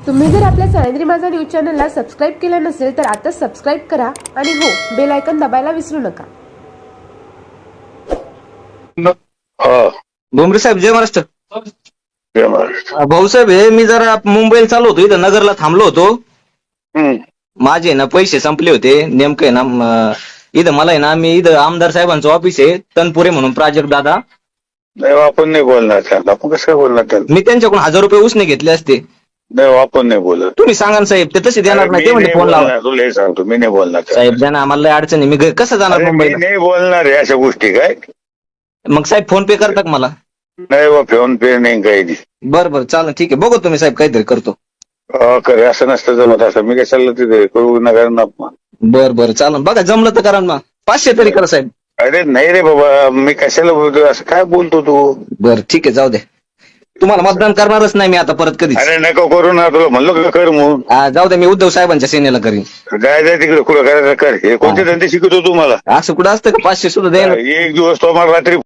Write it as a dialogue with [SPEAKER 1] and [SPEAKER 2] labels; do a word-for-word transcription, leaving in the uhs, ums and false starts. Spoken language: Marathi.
[SPEAKER 1] तुम्ही जर आपल्या सह्याद्री माझा न्यूज चॅनलला सबस्क्राईब केलं नसेल तर आता सबस्क्राईब करा आणि हो बेल आयकॉन दाबायला विसरू नका.
[SPEAKER 2] भुमरे साहेब जय महाराष्ट्र.
[SPEAKER 3] जय महाराष्ट्र.
[SPEAKER 2] भाऊसाहेब हे मी जरा मुंबईला चालू होतो, इथं नगरला थांबलो होतो.
[SPEAKER 3] हम्म.
[SPEAKER 2] माझे ना पैसे संपले होते नेमके ना म, इथं मला आहे ना मी इथं आमदार साहेबांचं ऑफिस आहे तनपुरे म्हणून प्राजक्त दादा.
[SPEAKER 3] नाही आपण नाही बोलणार त्याला. आपण कसं काय बोलणार त्याला?
[SPEAKER 2] मी त्यांच्याकडून हजार रुपये उसने घेतले असते.
[SPEAKER 3] नाही आपण नाही बोलत.
[SPEAKER 2] तुम्ही सांगा ना साहेब, ते तसे देणार नाही. ते म्हणजे फोन लावा.
[SPEAKER 3] तुला हे सांगतो मी नाही बोलणार त्याला.
[SPEAKER 2] साहेब द्या ना, आम्हाला लय अडचण आहे. मी घरी कसं जाणार
[SPEAKER 3] अरे, मी
[SPEAKER 2] मुंबईला?
[SPEAKER 3] नाही बोलणार आहे अशा गोष्टी. काय
[SPEAKER 2] मग साहेब फोन पे करता का मला?
[SPEAKER 3] नाही बा, फोन पे नाही काही नाही.
[SPEAKER 2] बरं बरं चालेल ठीक आहे. बघू तुम्ही साहेब काहीतरी करतो.
[SPEAKER 3] अं, करे असं नसतं जमत. असं मी कशाला तिथे करू नका ना.
[SPEAKER 2] बरं बरं चालेल. बघा जमलं तर करा ना मग. पाचशे तरी करा साहेब.
[SPEAKER 3] अरे नाही रे बाबा, मी कशाला बोलतो असं? काय बोलतो तू?
[SPEAKER 2] बरं ठीक आहे जाऊ दे. तुम्हाला मतदान करणारच नाही मी आता परत कधीच.
[SPEAKER 3] अरे नको करू ना. तुला म्हणलो का कर म्हणून.
[SPEAKER 2] हा, जाऊ दे. मी उद्धव साहेबांच्या सेनेला करीन.
[SPEAKER 3] जाय जाय तिकडे कुठं करायचं कर. हे कोणते धंदे शिकवतो तू मला?
[SPEAKER 2] असं कुठं असतं का? पाचशे सुद्धा द्यायला
[SPEAKER 3] एक दिवस तो मला रात्री